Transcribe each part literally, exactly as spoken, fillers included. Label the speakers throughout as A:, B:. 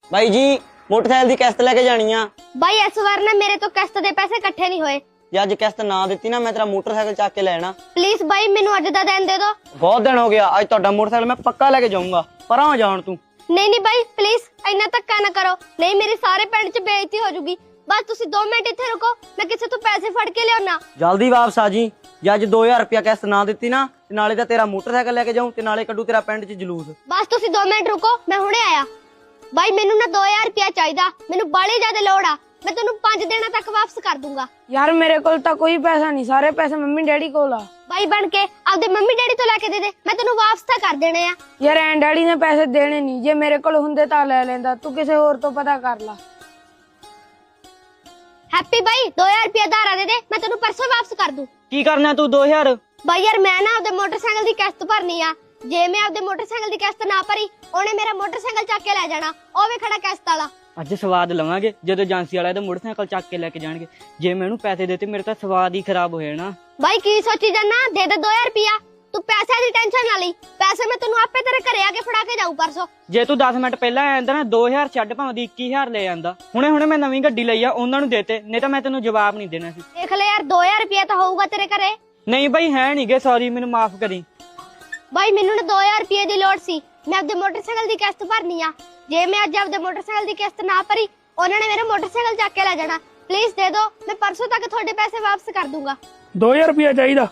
A: ਬਾਈ ਜੀ ਮੋਟਰਸਾਈਕਲ ਦੀ ਕਿਸ਼ਤ ਲੈ ਕੇ ਜਾਣੀ ਆ।
B: ਬਾਈ ਇਸ ਵਾਰ ਨਾ ਮੇਰੇ ਤੋਂ ਕਿਸ਼ਤ ਦੇ ਪੈਸੇ ਇਕੱਠੇ ਨਹੀਂ ਹੋਏ।
A: ਜੇ ਅੱਜ ਕਿਸ਼ਤ ਨਾ ਦਿੱਤੀ ਨਾ ਮੈਂ ਤੇਰਾ ਮੋਟਰਸਾਈਕਲ ਚੱਕ ਕੇ ਲੈਣਾ।
B: ਪਲੀਜ਼ ਬਾਈ ਮੈਨੂੰ ਅੱਜ ਦਾ ਦਿਨ ਦੇ ਦਿਓ।
A: ਬਹੁਤ ਦਿਨ ਹੋ ਗਿਆ, ਅੱਜ ਤੁਹਾਡਾ ਮੋਟਰਸਾਈਕਲ ਮੈਂ ਪੱਕਾ ਲੈ ਕੇ ਜਾਊਂਗਾ। ਪਰਾਂ ਜਾਣ ਤੂੰ।
B: ਨਹੀਂ ਨਹੀਂ ਬਾਈ ਪਲੀਜ਼ ਇੰਨਾ ਧੱਕਾ ਨਾ ਕਰੋ, ਨਹੀਂ ਮੇਰੀ ਸਾਰੇ ਪਿੰਡ 'ਚ ਬੇਇੱਜ਼ਤੀ ਹੋ ਜੂਗੀ। ਬਸ ਤੁਸੀਂ ਦੋ ਮਿੰਟ ਇੱਥੇ ਰੁਕੋ, ਮੈਂ ਕਿਸੇ ਤੋਂ ਪੈਸੇ ਫੜ ਕੇ ਲਿਆਉਣਾ।
A: ਜਲਦੀ ਵਾਪਸ ਆ ਜੀ। ਜੇ ਅੱਜ ਦੋ ਹਜ਼ਾਰ ਰੁਪਇਆ ਕਿਸ਼ਤ ਨਾ ਦਿੱਤੀ ਨਾ ਤੇ ਨਾਲੇ ਤਾਂ ਤੇਰਾ ਮੋਟਰਸਾਈਕਲ ਲੈ ਕੇ ਜਾਊਂ ਤੇ ਨਾਲੇ ਕੱਢੂ ਤੇਰਾ ਪਿੰਡ 'ਚ ਜਲੂਸ।
B: ਬਸ ਤੁਸੀਂ ਦੋ ਮਿੰਟ ਰੁਕੋ, ਮੈਂ ਹੁਣੇ ਆਇਆ। ਬਾਈ ਮੈਨੂੰ ਨਾ ਦੋ ਹਜ਼ਾਰ ਰੁਪਇਆ ਚਾਹੀਦਾ, ਮੈਨੂੰ ਬਾਲੀ ਜ਼ਿਆਦਾ ਲੋੜ ਆ। ਮੈਂ ਤੈਨੂੰ ਪੰਜ ਦਿਨਾਂ ਤੱਕ ਵਾਪਸ ਕਰ ਦੂੰਗਾ।
C: ਯਾਰ ਮੇਰੇ ਕੋਲ ਤਾਂ ਕੋਈ ਪੈਸਾ ਨਹੀਂ, ਸਾਰੇ ਪੈਸੇ ਮੰਮੀ ਡੈਡੀ ਕੋਲ ਆ।
B: ਬਾਈ ਬਣ ਕੇ ਆਪਦੇ ਮੰਮੀ ਡੈਡੀ ਤੋਂ ਲੈ ਕੇ ਦੇ ਦੇ, ਮੈਂ ਤੈਨੂੰ ਵਾਪਸ ਤਾਂ ਕਰ ਦੇਣੇ ਆ।
C: ਯਾਰ ਐਂ ਡੈਡੀ ਨੇ ਪੈਸੇ ਦੇਣੇ ਨਹੀਂ, ਜੇ ਮੇਰੇ ਕੋਲ ਹੁੰਦੇ ਤਾਂ ਲੈ ਲੈਂਦਾ। ਤੂੰ ਕਿਸੇ ਹੋਰ ਤੋਂ ਪਤਾ ਕਰ ਲਾ।
B: ਹੈਪੀ ਬਾਈ ਦੋ ਹਜ਼ਾਰ ਰੁਪਇਆ ਧਾਰਾ ਦੇ ਦੇ, ਮੈਂ ਤੈਨੂੰ ਪਰਸੋਂ ਵਾਪਸ ਕਰ ਦੂੰ।
A: ਕੀ ਕਰਨਾ ਤੂੰ ਦੋ ਹਜ਼ਾਰ?
B: ਬਾਈ ਯਾਰ ਮੈਂ ਨਾ ਆਪਦੇ ਮੋਟਰਸਾਈਕਲ ਦੀ ਕਿਸ਼ਤ ਭਰਨੀ ਆ। ਜੇ ਮੈਂ ਆਪਦੇ ਮੋਟਰਸਾਈਕਲ ਦੀ ਕਿਸ਼ਤ ਨਾ ਭਰੀ ਉਹਨੇ ਮੇਰਾ ਮੋਟਰਸਾਈਕਲ ਚੱਕ ਕੇ ਲੈ ਜਾਣਾ। ਉਹ ਵੀ ਖੜਾ ਕਿਸ਼ਤ ਵਾਲਾ।
A: ਅੱਜ ਸਵਾਦ ਲਵਾਂਗੇ ਜਦੋਂ ਏਜੰਸੀ ਵਾਲਾ ਇਹਦਾ ਮੋਟਰਸਾਈਕਲ ਚੱਕ ਕੇ ਲੈ ਕੇ ਜਾਣਗੇ। ਜੇ ਮੈਂ ਇਹਨੂੰ ਪੈਸੇ ਦਿੱਤੇ ਮੇਰੇ ਤਾਂ ਸਵਾਦ ਹੀ ਖਰਾਬ ਹੋ ਜਾਣਾ।
B: ਬਾਈ ਕੀ ਸੋਚੀ ਜਾਨਾ, ਦੇ ਦੇ ਦੋ ਹਜ਼ਾਰ ਰੁਪਇਆ। ਤੂੰ ਪੈਸੇ ਦੀ ਟੈਨਸ਼ਨ ਨਾ ਲਈ, ਪੈਸੇ ਮੈਂ ਤੈਨੂੰ ਆਪੇ ਤੇਰੇ ਘਰੇ ਆ ਕੇ ਫੜਾ ਕੇ ਜਾਊ ਪਰਸੋਂ।
A: ਜੇ ਤੂੰ ਦਸ ਮਿੰਟ ਪਹਿਲਾਂ ਆਇਆ ਜਾਂਦਾ ਨਾ ਦੋ ਹਜ਼ਾਰ ਛੱਡ ਭਾਵੇਂ ਦੀ ਇੱਕੀ ਹਜ਼ਾਰ ਲੈ ਜਾਂਦਾ। ਹੁਣੇ ਹੁਣੇ ਮੈਂ ਨਵੀਂ ਗੱਡੀ ਲਈ ਆ, ਉਹਨਾਂ ਨੂੰ ਦੇਤੇ, ਨਹੀਂ ਤਾਂ ਮੈਂ ਤੈਨੂੰ ਜਵਾਬ ਨਹੀਂ ਦੇਣਾ ਸੀ।
B: ਦੇਖ ਲੈ ਯਾਰ ਦੋ ਹਜ਼ਾਰ ਰੁਪਇਆ ਤਾਂ ਹੋਊਗਾ ਤੇਰੇ ਘਰੇ।
A: ਨਹੀਂ ਬਾਈ ਹੈ ਨੀ ਗੇ, ਸੌਰੀ ਮੈਨੂੰ ਮਾਫ ਕਰੀ।
B: ਬਾਈ ਮੈਨੂੰ ਨਾ ਦੋ ਹਜ਼ਾਰ ਰੁਪਏ ਦੀ ਲੋੜ ਸੀ, ਮੈਂ ਆਪਦੇ ਮੋਟਰਸਾਈਕਲ ਦੀ ਕਿਸ਼ਤ ਭਰਨੀ ਆ। ਜੇ ਮੈਂ ਅੱਜ ਆਪਦੇ ਮੋਟਰਸਾਈਕਲ ਦੀ ਕਿਸ਼ਤ ਨਾ ਭਰੀ ਉਹਨਾਂ ਨੇ ਮੇਰਾ ਮੋਟਰਸਾਈਕਲ ਚੱਕ ਕੇ ਲੈ ਜਾਣਾ। ਪਲੀਜ਼ ਦੇ ਦਿਓ, ਮੈਂ ਪਰਸੋਂ ਤੱਕ ਤੁਹਾਡੇ ਪੈਸੇ ਵਾਪਸ ਕਰ ਦੂੰਗਾ।
D: ਦੋ ਹਜ਼ਾਰ ਰੁਪਇਆ ਚਾਹੀਦਾ।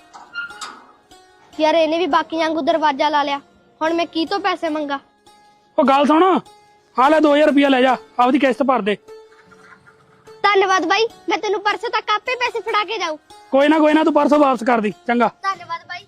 B: ਯਾਰ ਇਹਨੇ ਵੀ ਬਾਕੀਆਂ ਵਾਂਗੂ ਦਰਵਾਜ਼ਾ ਲਾ ਲਿਆ, ਹੁਣ ਮੈਂ ਕੀ ਤੋਂ ਪੈਸੇ ਮੰਗਾ।
D: ਉਹ ਗੱਲ ਸੁਣ, ਆ ਲੈ ਦੋ ਹਜ਼ਾਰ ਰੁਪਇਆ ਲੈ ਜਾ, ਆਪਦੀ ਕਿਸ਼ਤ ਭਰ ਦੇ।
B: ਧੰਨਵਾਦ ਬਾਈ, ਮੈਂ ਤੈਨੂੰ ਪਰਸੋਂ ਤੱਕ ਆਪੇ ਪੈਸੇ ਫੜਾ ਕੇ ਜਾਊ।
D: ਕੋਈ ਨਾ ਕੋਈ ਨਾ, ਤੂੰ ਪਰਸੋਂ ਵਾਪਸ ਕਰ ਦੀ, ਚੰਗਾ।
B: ਧੰਨਵਾਦ ਬਾਈ।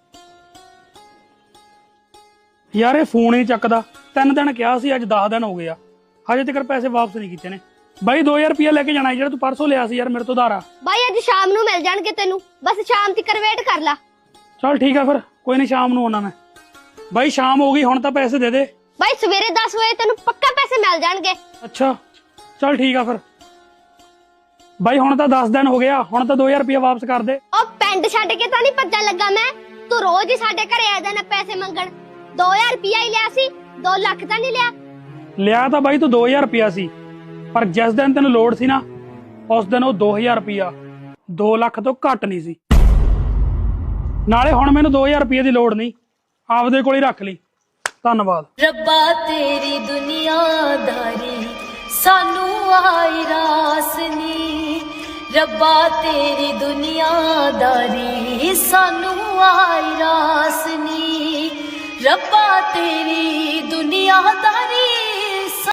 D: ਯਾਰ ਇਹ ਫੋਨ ਹੀ ਚੱਕਦਾ। ਤਿੰਨ ਦਿਨ ਕਿਹਾ ਸੀ, ਅੱਜ ਦਸ ਦਿਨ ਹੋ ਗਏ ਆ, ਹਜੇ ਤੱਕ ਪੈਸੇ ਵਾਪਸ ਨਹੀਂ ਕੀਤੇ ਨੇ। ਬਾਈ ਦੋ ਹਜ਼ਾਰ ਰੁਪਇਆ ਲੈ ਕੇ ਜਾਣਾ ਜਿਹੜਾ ਤੂੰ ਪਰਸੋਂ ਲਿਆ ਸੀ ਯਾਰ ਮੇਰੇ ਤੋਂ ਉਧਾਰਾ।
B: ਬਾਈ ਅੱਜ ਸ਼ਾਮ ਨੂੰ ਮਿਲ ਜਾਣਗੇ ਤੈਨੂੰ, ਬਸ ਸ਼ਾਮ ਤੱਕ ਵੇਟ ਕਰ ਲੈ।
D: ਚਲ ਠੀਕ ਆ ਫਿਰ, ਕੋਈ ਨਹੀਂ ਸ਼ਾਮ ਨੂੰ ਆਉਣਾ ਮੈਂ। ਬਾਈ ਸ਼ਾਮ ਹੋ ਗਈ, ਹੁਣ ਤਾਂ ਪੈਸੇ ਦੇ ਦੇ।
B: ਬਾਈ ਸਵੇਰੇ ਦਸ ਵਜੇ ਤੈਨੂੰ ਪੱਕਾ ਪੈਸੇ ਮਿਲ ਜਾਣਗੇ।
D: ਅੱਛਾ ਚਲ ਠੀਕ ਆ ਫਿਰ। ਬਾਈ ਹੁਣ ਤਾਂ ਦਸ ਦਿਨ ਹੋ ਗਿਆ, ਹੁਣ ਤਾਂ ਦੋ ਹਜ਼ਾਰ ਰੁਪਇਆ ਵਾਪਸ ਕਰ ਦੇ।
B: ਉਹ ਪਿੰਡ ਛੱਡ ਕੇ ਤਾਂ ਨਹੀਂ ਭੱਜਣ ਲੱਗਾ ਮੈਂ, ਤੂੰ ਰੋਜ਼ ਹੀ ਸਾਡੇ ਘਰੇ ਆ ਜਾਣਾ ਪੈਸੇ ਮੰਗਣ। ਦੋ ਹਜ਼ਾਰ ਰੁਪਇਆ ਹੀ ਲਿਆ ਸੀ, ਦੋ ਲੱਖ ਤਾਂ ਨਹੀਂ ਲਿਆ।
D: ਲਿਆ ਤਾਂ ਬਾਈ ਤੂੰ ਦੋ ਹਜ਼ਾਰ ਰੁਪਇਆ ਸੀ, ਪਰ ਜਿਸ ਦਿਨ ਤੈਨੂੰ ਲੋੜ ਸੀ ਨਾ ਉਸ ਦਿਨ ਉਹ ਦੋ ਹਜ਼ਾਰ ਰੁਪਇਆ ਦੋ ਲੱਖ ਤੋਂ ਘੱਟ ਨਹੀਂ ਸੀ। ਨਾਲੇ ਹੁਣ ਮੈਨੂੰ ਦੋ ਹਜ਼ਾਰ ਰੁਪਏ ਦੀ ਲੋੜ ਨਹੀਂ, ਆਪਦੇ ਕੋਲ ਹੀ ਰੱਖ ਲਈ। ਧੰਨਵਾਦ।
E: ਰੱਬਾ ਤੇਰੀ ਦੁਨੀਆਦਾਰੀ ਸਾਨੂੰ ਆਈ ਰਾਸ ਨੀ, ਰੱਬਾ ਤੇਰੀ ਦੁਨੀਆਦਾਰੀ ਸਾਨੂੰ ਆਈ ਰਾਸ ਨੀ, ਰੱਬਾ ਤੇਰੀ ਦੁਨੀਆਦਾਰੀ